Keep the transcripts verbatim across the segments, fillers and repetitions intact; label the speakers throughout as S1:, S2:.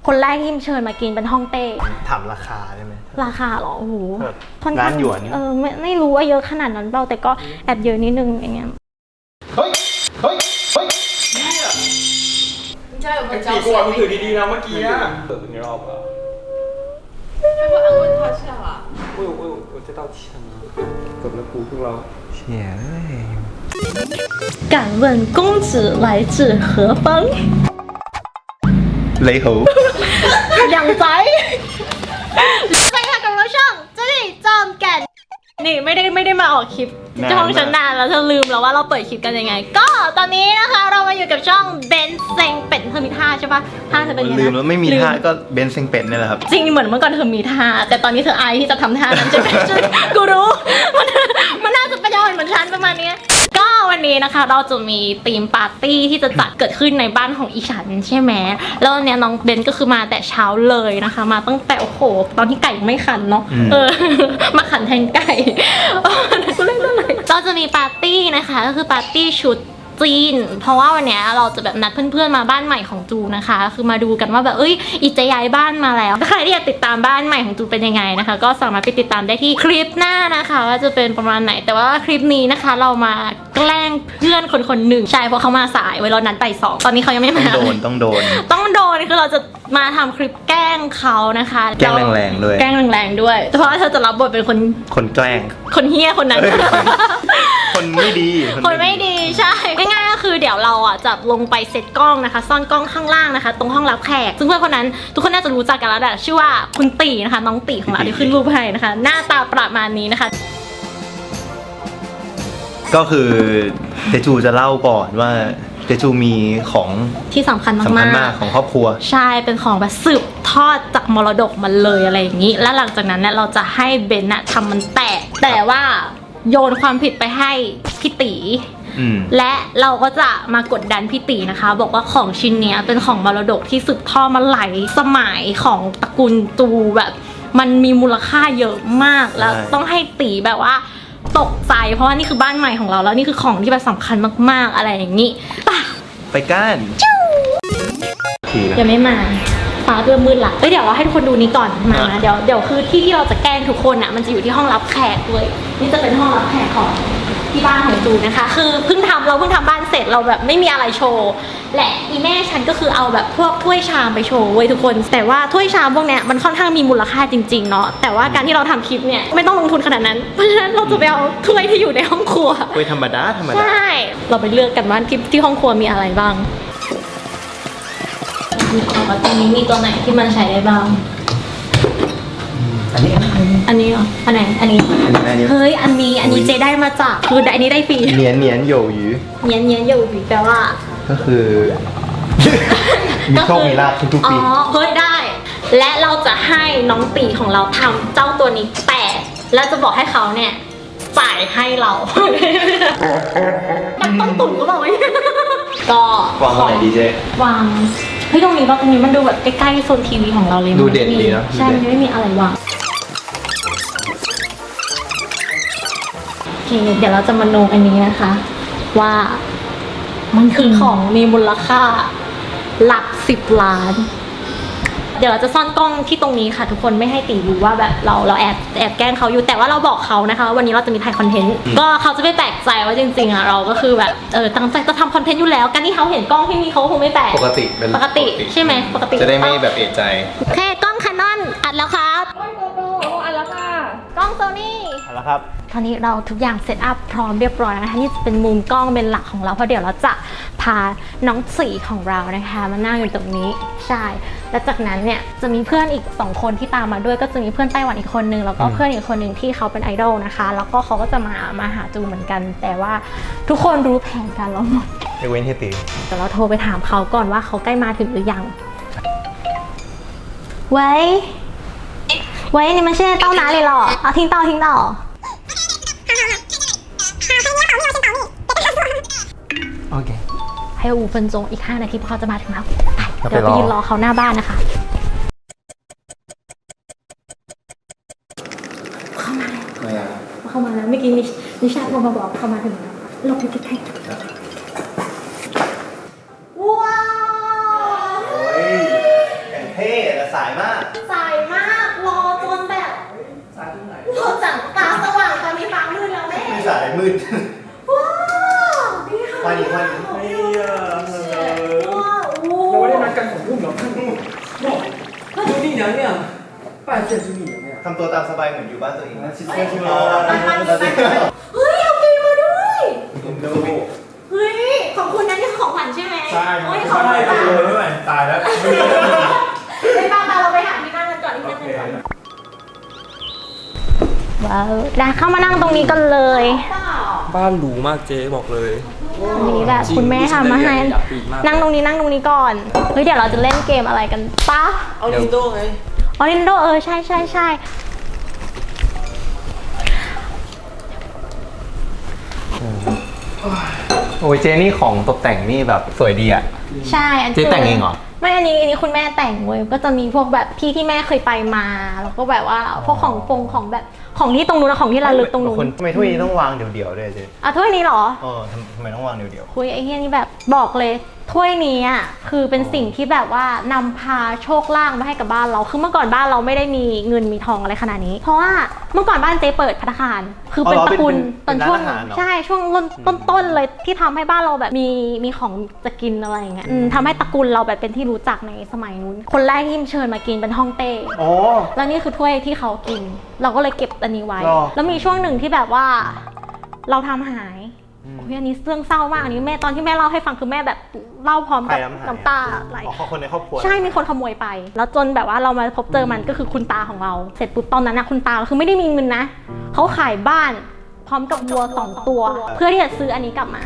S1: คนแรกที่เชิญมากินเป็นฮ่องเต้
S2: ถามราคาได้ไหม
S1: ราคาหรอโอ้โห
S2: ร้านหยวน
S1: เออไม่ไม่รู้ว่าเยอะขนาดนั้นเปล่าแต่ก็แอบเยอะนิดนึงอย่างเงี้ย
S2: เฮ้ยเฮ้ยเฮ้ย
S3: ใช่ผม
S4: จะกลัวมึงถือดีๆนะเมื่อกี้อ่ะเปิดเป็นรอบอ่ะ
S3: ให้พวกอังวนทอดใช่ป่ะ
S4: โอ้ยโอ้ย我知道钱了จบแล้วกูพวกเรา
S2: เชี่ย
S1: 敢问公子来自何方
S2: เลยหู
S1: อย่างใจไปค่ะกับเราช่องจะได้จอมแก่นนี่ไม่ได้ไม่ได้มาออกคลิปช่องฉันนานแล้วเธอลืมแล้วว่าเราเปิดคลิปกันยังไงก็ตอนนี้นะคะเรามาอยู่กับช่องเบนเซ็งเป็ดเธอมีท่าใช่ปะท่าเธอเป็นยังไง
S2: ลืมแล้วไม่มีท่าก็เบนเซ็งเป็ดนี่แหละครับ
S1: จริงเหมือนเมื่อก่อนเธอมีท่าแต่ตอนนี้เธออายที่จะทำท่านั้นใช่ไหมกูรู้มันมันน่าจะเป็นยอดเหมือนฉันประมาณนี้ก็วันนี้นะคะเราจะมีธีมปาร์ตี้ที่จะจัดเกิดขึ้นในบ้านของอีฉันใช่ไหมแล้วเนี่ยน้องเบนก็คือมาแต่เช้าเลยนะคะมาตั้งแต่โอ้โหตอนที่ไก่ไม่ขันเนาะเออมาขันแทนไก่ก็เล่นอะไรเราจะมีปาร์ตี้นะคะก็คือปาร์ตี้ชุดจีนเพราะว่าวันนี้เราจะแบบนัดเพื่อนๆมาบ้านใหม่ของจูนะคะคือมาดูกันว่าแบบเอ้ยอีจะย้ายบ้านมาแล้วใครที่อยากติดตามบ้านใหม่ของจูเป็นยังไงนะคะก็สามารถไปติดตามได้ที่คลิปหน้านะคะว่าจะเป็นประมาณไหนแต่ว่าคลิปนี้นะคะเรามาแกล้งเพื่อนคนคนหนึ่งใช่เพราะเขามาสายไว้เรานัดบ่ายสองตอนนี้เขายังไม่มา
S2: ต้องโดนต้องโดน
S1: ต้องโดนคือเราจะมาทำคลิปแกล้งเขานะคะ
S2: แกล้งแรงๆด้วย
S1: แกล้งแรงๆด้วยเพราะว่าเธอจะรับบทเป็นคน
S2: คนแกล้ง
S1: คนเฮี้ยคนนั้น
S2: คนไม่ดี
S1: คนไม่ดีใช่ง่ายๆก็คือเดี๋ยวเราอ่ะจะลงไปเซตกล้องนะคะซ่อนกล้องข้างล่างนะคะตรงห้องรับแขกซึ่งเพื่อนคนนั้นทุกคนน่าจะรู้จักกันแล้วแหละชื่อว่าคุณตีนะคะน้องตีของเราที่ขึ้นรูปให้นะคะหน้าตาประมาณนี้นะคะ
S2: ก็คือเจจูจะเล่าก่อนว่าเจจูมีของ
S1: ที่สำคัญมาก
S2: สำคัญมากของครอบครัว
S1: ใช่เป็นของแบบสืบทอดจากมรดกมันเลยอะไรอย่างนี้แล้วหลังจากนั้นเนี่ยเราจะให้เบนน่ะทำมันแตกแต่ว่าโยนความผิดไปให้พี่ตีและเราก็จะมากดดันพี่ตีนะคะบอกว่าของชิ้นนี้เป็นของมรดกที่สืบทอดมาหลายสมัยของตระกูลจูแบบมันมีมูลค่าเยอะมากแล้วต้องให้ตีแบบว่าตกใจเพราะว่านี่คือบ้านใหม่ของเราแล้วนี่คือของที่แบบสำคัญมากๆอะไรอย่างนี้
S2: ไปกัน
S1: ยังไม่มาฟ้าเริ่มมืดละเอ้ยเดี๋ยวเราให้ทุกคนดูนี้ก่อนมาเดี๋ยวเดี๋ยวคือที่ที่เราจะแกล้งทุกคนอ่ะมันจะอยู่ที่ห้องรับแขกเลยนี่จะเป็นห้องรับแขกของที่บ้านของจูนะคะคือเพิ่งทำเราเพิ่งทำบ้านเสร็จเราแบบไม่มีอะไรโชว์และอีแม่ฉันก็คือเอาแบบพวกถ้วยชามไปโชว์เว้ยทุกคนแต่ว่าถ้วยชามพวกเนี้ยมันค่อนข้างมีมูลค่าจริงๆเนาะแต่ว่าการที่เราทำคลิปเนี่ยไม่ต้องลงทุนขนาดนั้นเพราะฉะนั้นเราจะไปเอาถ้วยที่อยู่ในห้องครัว
S2: ถ้วยธรรมดาธรรมดา
S1: ใช่เราไปเลือกกันว่าที่ที่ห้องครัวมีอะไรบ้างดูก่อนว่าตรงนี้มีตัวไหนที่มันใช้ได้บ้าง
S2: อันนี้
S1: อันนี้เหรออันไหนอันนี้เฮ้ยอันนี้อันนี้เจได้มาจากคืออันนี้ได้ฟรี
S2: เนียนเนียนโยหยู
S1: เนียนเนียนโยหยูแปลว่า
S2: ก็คือมีโชคมีลาภทุกปี
S1: อ๋อเฮ้ยได้และเราจะให้น้องตีของเราทำเจ้าตัวนี้แตกแล้วจะบอกให้เขาเนี่ยจ่ายให้เรามันต้องตุ่นก็บอกว่าก็
S2: วางตรงไหนดีเจ
S1: วางเฮ้ยตรงนี้ว่าตรงนี้มันดูแบบใกล้ๆโซนทีวีของเราเลย
S2: ดูเด่นดีเนาะ
S1: ใช่มันไม่มีอะไรวางโอเคเดี๋ยวเราจะมาโนอันนี้นะคะว่ามันคือของมีมูลค่าหลักสิบล้านเดี๋ยวเราจะซ่อนกล้องที่ตรงนี้ค่ะทุกคนไม่ให้ตีรู้ว่าแบบเราเราแอบแอบแกล้งเขาอยู่แต่ว่าเราบอกเขานะคะวันนี้เราจะมีถ่ายคอนเทนต์ก็เขาจะไม่แปลกใจว่าจริงๆอ่ะเราก็คือแบบเออตั้งใจจะทำคอนเทนต์อยู่แล้วการที่เขาเห็นกล้องที่มีเขาคงไม่แปลก
S2: ปกติเป็น
S1: ปกติใช่ไหมปกติ
S2: จะได้ไม่แบบเอะใจ
S1: โอเคกล้องแคนนอนอัดแล้วครับ
S3: กล้องโกโปรอัดแล้วค่ะ
S1: กล้องโซนี่
S2: อัดแล้วครับ
S1: ตอนนี้เราทุกอย่างเซตอัพพร้อมเรียบร้อยแล้วนะคะนี่เป็นมุมกล้องเป็นหลักของเราเพราะเดี๋ยวเราจะพาน้องสีของเรานะคะมานั่งอยู่ตรงนี้ใช่และจากนั้นเนี่ยจะมีเพื่อนอีกสองคนที่ตามมาด้วยก็จะมีเพื่อนไต้หวันอีกคนนึงแล้วก็เพื่อนอีกคนนึงที่เขาเป็นไอดอลนะคะแล้วก็เขาก็จะมามาหาจูเหมือนกันแต่ว่าทุกคนรู้แผนการเราหมด
S2: ไอเว้นเฮตี
S1: แต่เราโทรไปถามเขาก่อนว่าเขาใกล้มาถึงหรือยัง喂喂你们现在到哪里了啊听到听到
S2: โอเค
S1: ให้五分钟อีกห้านาทีพอเขาจะมาถึงแล้วเดี๋ยวไปยืนรอเขาหน้าบ้านนะคะเข้ามาแล้วเข้ามาแล้วเมื่อกี้นิชาโทรมาบอกเข้ามาถึงแล้วเราไปใกล้ๆว้าว
S2: โอ้ยแข่งเท่สายมาก
S1: สายมากรอจนแบบรอจังตาสว่างตอนนี้ฟ้ามืดแล้วแม่
S2: ไม่สายมืด
S1: ว้าวนี่ค่ะ
S2: วันนี้วันนี้
S4: 哎呀，
S1: ว้าวโอ้
S4: 我那边干什么呢？朱棣娘娘，拜见朱棣娘娘。
S2: ทำตัวตามสบายเหมือนอยู่บ้านตัวเองนะชิส
S1: เฮ้ย
S2: ชิโ
S1: มันมันมันเฮ้ยเอากินมาด้วย
S2: ดู
S1: เฮ้ยของคุณนั้นนี่คือของขวัญใช่ไหม
S4: ใช่
S1: โอ้ยของขวัญ
S4: ใช่เลยไม่ไหวตายแล้ว
S1: ไปป้าป้าเราไปหาที่นั่งกันก่อนที่นั่งกันก่อนว้าวได้เข้ามานั่งตรงนี้กันเลย
S4: บ้านหรูมากเจ๊บอกเลย
S1: อันนี้แบบคุณแม่ทำมาให้นั่งตรงนี้นั่งตรงนี้ก่อนเฮ้ยเดี๋ยวเราจะเล่นเกมอะไรกันปะ
S4: เอาลินโดไง
S1: ออรินโดเออใช่ใช่ใช่
S2: โอ้ยเจนี่ของตกแต่งนี่แบบสวยดีอ่ะ
S1: ใช่อัน
S2: เจ๊แต่งเองเหรอ
S1: ไม่อันนี้อันนี้คุณแม่แต่งเว้ยก็จะมีพวกแบบที่ที่แม่เคยไปมาแล้วก็แบบว่าพวกของฟงของแบบของที่ตรงนู้นนะของที่ระลึกตรงนู้น
S2: คนทำไมถ้วยนี้ต้องวางเดี่ยวๆด้วยเจ๊
S1: อ่ะถ้วยนี้เหรอ
S2: เออทำทำไมต้องวางเดี่ยว
S1: คุยไอ้เฮียนี่แบบบอกเลยถ้วยนี้อ่ะคือเป็นสิ่งที่แบบว่านำพาโชคลาภมาให้กับบ้านเราคือเมื่อก่อนบ้านเราไม่ได้มีเงินมีทองอะไรขนาดนี้ เพราะว่าเมื่อก่อนบ้านเจ๊เปิดภัตตาคารคือเป็นตระกูลตอนช่วงใช่ช่วงต้นๆเลยที่ทำให้บ้านเราแบบมีมีของจะกินอะไรอย่างเงี้ยอืมทำให้ตระกูลเราแบบเป็นที่รู้จักในสมัยนู้นคนแรกที่เชิญมากินเป็นฮ่องเต้
S2: ๆอ๋อ
S1: แล้วนี่คือถ้วยที่เขากิน เราก็เลยเก็บอันนี้ไว้
S2: หรอ
S1: แล้วมีช่วงหนึ่งที่แบบว่าเราทำหายโอ้ยอันนี้เรื่องเศร้ามากอันนี้แม่ตอนที่แม่เล่าให้ฟังคือแม่แบบเล่าพร้อมกับ
S2: ใครทำหาย
S1: น้ำตาไหล
S2: อ๋อคนในครอบครัว
S1: ใช่มีคนขโมยไป แล้วจนแบบว่าเรามาพบเจอมันก็คือคุณตาของเรา เสร็จปุ๊บตอนนั้นนะคุณตาคือไม่ได้มีเงินนะเขาขายบ้านพร้อมกับวัวสองตัว เพื่อที่จะซื้ออันนี้กลับมา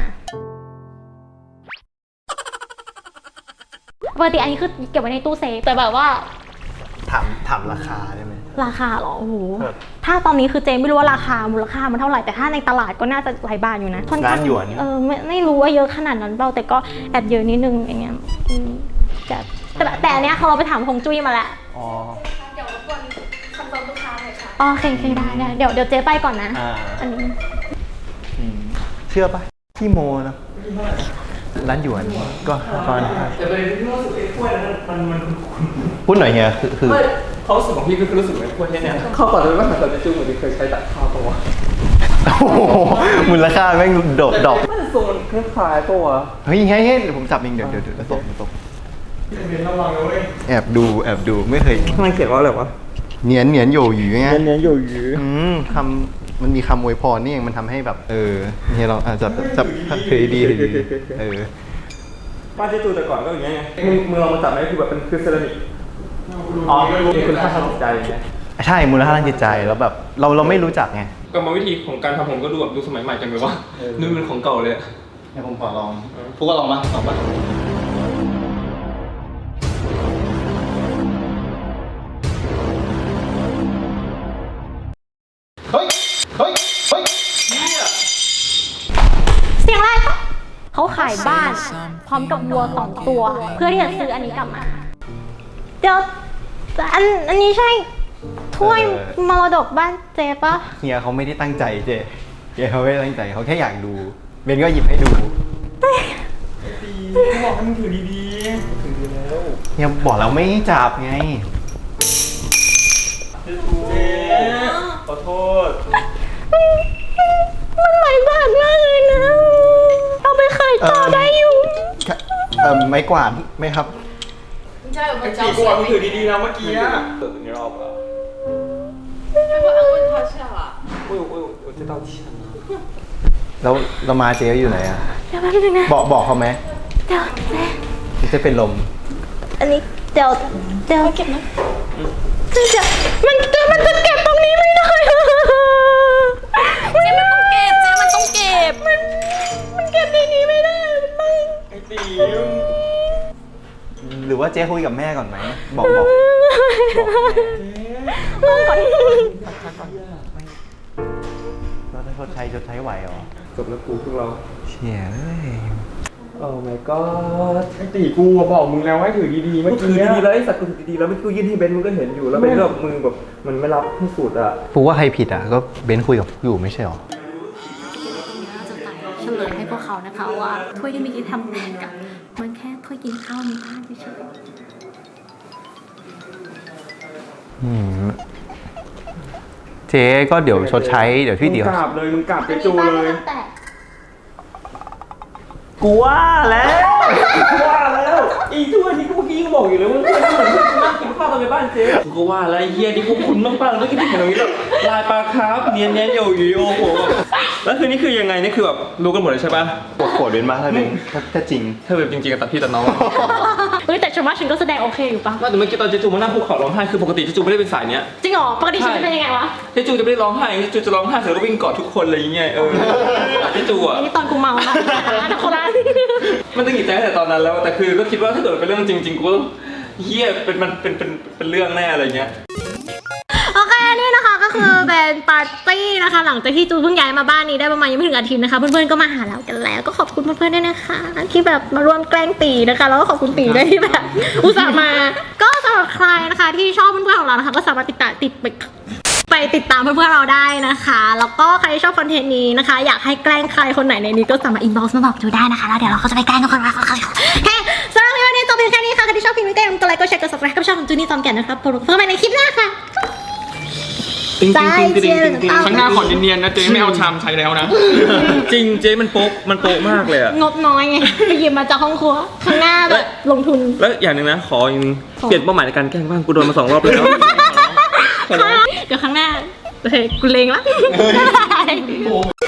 S1: ปกติอันนี้คือเก็บไว้ในตู้เซฟแต่แบบว่า
S2: ถามถามราคาได้ไหม
S1: ราคาเหรอโอ้โห
S2: ครับ
S1: ถ้าตอนนี้คือเจไม่รู้ว่าราคามูลค่ามันเท่าไหร่แต่ถ้าในตลาดก็น่าจะหลายบาทอยู่นะค่อนข้าง
S2: ล้านหยวน
S1: เออไม่ไม่รู้ว่าเยอะขนาดนั้นเปล่าแต่ก็แอบเยอะนิดนึงอย่างเงี้ยอืมแต่แต่แต่อันเนี้ยเขาเราไปถามฮงจุ้ยมาแล้ว
S2: อ๋อ
S3: เดี๋ยวรบกวนคอนเฟิร์มลูกค้าหน่อยค่ะ
S1: อ๋อโอเคโอเคได้ได้เดี๋ยวเดี๋ยวเจ๊ไปก่อนนะ
S2: อ่า
S1: อันนี้
S2: อืมเชื่อปะพี่โมนะร้านหยวนก็ตอน
S4: แต่ประเด็นที่รู้สึกไอ้กล้วยนั้นมันมัน
S2: พูดหน่อยเฮียคือคือ
S4: ไม่เขารู้สึกของพี่ก็คือรู้สึกไอ้กล้วยเนี่ยเข้าก่อนเลยว่าเหมือนตอนในจูเหมือนที่เคยใช้ตัดข้าวปะวะ
S2: โอ้โหมูลค่าแม่งโดดดอก
S4: มันทรงมันคล้ายๆปะวะ
S2: เฮ้ยเฮ้ยเฮ้ยเดี๋ยวผมจับเองเดี๋ยวเดี๋ยวเดี๋ยวตกตก
S4: เรียนระวังนะเว้ย
S2: แอบดูแอบดูไม่เคย
S4: มันเขียนว่าอะไรวะ
S2: เนียนเนียนโยหยูไง
S4: เนี้ยอยู่ยื้อ
S2: อืมคำมันมีคำอวยพรนี่เองมันทำให้แบบ เออเฮียเราอาจจะจับถือดีถือดีเออ
S4: บ้านเจ๊ตูแต่ก่อนก็อย่างเงี้ยมึงมึงลองมาจับไหมคือแบบเป็นคือเซรามิกอ๋อมีคุณค่าทางจิตใจอย่างเงี้ย
S2: ใช่มูลค่าทางจิตใจแล้วแบบเราเราไม่รู้จักไง
S4: กรรมวิธีของการทำผมก็ดูแบบดูสมัยใหม่จังเลยว่าดูเป็นของเก่าเลยอะ
S2: ให้ผมขอลองพูดก็ลองมาลองมาเฮ้ยเฮ้ยเฮ้ย
S1: เสียงอะไรปะเขาขายบ้านพร้อมกับวัวสองตัว เพื่อที่จะซื้ออันนี้กลับมาเดี๋ยวแต่อันอันนี้ใช่ถ้วยมรดกบ้านเจ๊ปะ
S2: เฮียเขาไม่ได้ตั้งใจเจเฮียเขาไม่ได้ตั้งใจเขาแค่อยากดูเบนก็หยิบให้ดู
S4: ดีบอกให้มึงถือดีๆถือดีแล้ว
S2: เฮียบอกแล้วไม่ให้จับไง
S4: เจ๊ขอโทษ
S1: มันหลายบาทมากเลยนะเอาไปขายต่อได้อยู่
S2: เอ่อไม้กวาดไหมครับ
S3: 你家有没
S4: ไอ้
S3: 有
S4: จี
S3: 胶
S4: กูบอกมึงถือ
S3: 水？
S4: ดีๆนะเมื่อกี้อะเออ你绕吧
S3: 要不安慰他一下啦？
S4: 我有我有我知道钱了
S2: แล้วเรามาเจ๊อยู่ไหนอ่ะ
S1: เดี๋ยวแป๊บนึงนะ
S2: บอกบอกเขาไหม
S1: เดี๋ยวเจ๊
S2: เจะเป็นลม
S1: อันนี้เดี๋ยวเดี๋ยวเก็บนะเดี๋ยวมันจะมันจะเก็บตรงนี้ไม่ได้เจ๊มันต้องเก็บเจ๊มันต้องเก็บมันมันเก็บในนี้ไม่ได้มัน
S4: ไอ้ตี
S2: หรือว่าเจ๊คุยกับแม่ก่อนไหมบอกบอก
S1: ลงก่อน
S2: เราจะชดใช้ชดใช้ไหวเหรอ
S4: จบแล้วกูพวกเรา
S2: เชี่ยเอ้ย
S4: โอ้ my god ไอ้ตีกูบอกมึงแล้วให้ถือดีๆเมื่อกี้ถือดีๆแล้วไอ้สัตว์กูถือดีๆแล้วเมื่อกี้กูยื่นให้เบนมึงก็เห็นอยู่แล้วเบนก็แบบมึงแบบมันไม่รับให้สุดอ่ะ
S2: ฟูว่าใครผิดอ่ะก็เบนคุยกับอยู่ไม่ใช่หรอ
S1: จะใส่เฉลยให้พวกเขานะคะว่าถ้วยที่เมื่อกี้ทำแทนกับมันแค่ถ้วยกินข้าวในบ้านเฉยๆ
S2: อืมเจ๊ก็เดี๋ยวชดใช้เดี๋ยวพี่เดี๋ยว
S4: มึงกราบเลยมึงกราบเจจูเลย
S1: แต่
S4: กูว่าแล้วกูว่าแล้วอีทุกวันนี้กูเมื่อกี้ก็บอกอยู่เลยว่าเพื่อนเหมือนเพื่อนกูนั่งกินข้าวตอนในบ้านเจ๊กูก็ว่าแล้วไอ้เฮียนี่พวกคุณมากๆแล้วก็ที่เห็นตรงนี้แบบลายปลาคาร์ฟเนียนเนียนๆอยู่อยู่โอ้โหแล้วคือนี่คือยังไงนี่คือแบบรู้กันหมดเลยใช่ปะ
S2: ปวดปวดเป็นมาถ้าเป็นถ้าถ้าจริง
S4: ถ้าแบบจริงๆกับตัดพี่ตัดน้อง
S1: เฮ้ยแต่ฉันว่าฉันก็แสดงโอเคอยู่ปะ
S4: ไม่แต่เมื่อกี้ตอนเจจูมานั่งภูเขาร้องไห้คือปกติเจจูไม่ได้เป็นสายเนี้ย
S1: จริงเหรอปกติฉันจะเป็นยังไงวะ
S4: เจจูจะไม่ได้ร้องไห้เจจูจะร้องไห้เสร็จแล้วก็วิ่งกอดทุกคนอะไรอย่างเงี้ยเออเจจูอ่ะ
S1: อันนี้ตอนกูเมานะนะคนละ
S4: มันต้องหงิดใจตั้งแต่ตอนนั้นแล้วแต่คือก็คิดว่าถ้าเกิดเป็นเรื่องจริงๆกูก็ต้องเฮียเป็นมันเป็นเป็นเป็นเรื่องแน่อะไรเงี้ย
S1: โอเคนี่นะคะก็คือเป็นปาร์ตี้นะคะหลังจากที่จูเพิ่งย้ายมาบ้านนี้ได้ประมาณยังไม่ถึงอาทิตย์นะคะเพื่อนๆก็มาหาเรากันแล้วก็ขอบคุณเพื่อนๆด้วยนะคะที่แบบมาร่วมแกล้งตีนะคะแล้วก็ขอบคุณตีด้วยที่แบบอุตส่าห์มาก็สำหรับใครนะคะที่ชอบเพื่อนๆของเรานะคะก็สามารถติดตามติดไปไปติดตามเพื่อนๆเราได้นะคะแล้วก็ใครที่ชอบคอนเทนต์นี้นะคะอยากให้แกล้งใครคนไหนในนี้ก็สามารถอินบ็อกซ์มาบอกจูได้นะคะแล้วเดี๋ยวเราก็จะไปแกล้งทุกคนนะคะเฮ้สำหรับวันนี้จบเพียงแค่นี้ค่ะใครที่ชอบคลิปนี้ก็อย่าลืมกดไลค์กดแชร์กด ซับสไครบ์ กับช่องของจูนี่ตอมแก่นนะครับพบกันใหม่ในคลิปหน้าค่ะ
S4: จริง
S1: ใจเจียน
S4: ครั้งหน้าขอเนียนๆนะเจ๊ไม่เอาชามใช้แล้วนะ จริงเจ๊มันโป๊กมันโป๊กมากเลยอะ
S1: งบน้อยไงไปหยิบมาจากห้องครัวข้างหน้าแบบลงทุน
S4: แล้วอย่างหนึ่งนะขออีกนึงเปลี่ยนเป้าหมายในการแกล้งบ้างกูโดนมาสองรอบแล้ว
S1: เดี๋ยวครั้งหน้าโอเคกูเลงละ